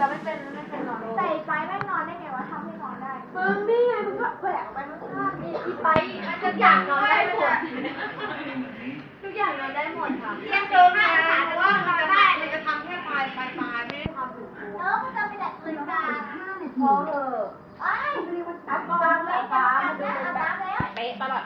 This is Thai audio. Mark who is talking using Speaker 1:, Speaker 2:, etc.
Speaker 1: เราไม่เป็นนอนแต่ไปไม่นอนได้ไงวะทำให้นอนได้มึงนี่ไงมึงก็แขวกไปข้างๆนี่อีไปมันทุกอย่างนอนได้หมดทุกอย่างนอนได้หมดค่ะเที่ยงคืนนะแต่ว่ามันจะได้มันจะทำแค่ปลายไม่ได้ทำถึงตัวแล้วก็จะไปแดกคืนกัน5 นาที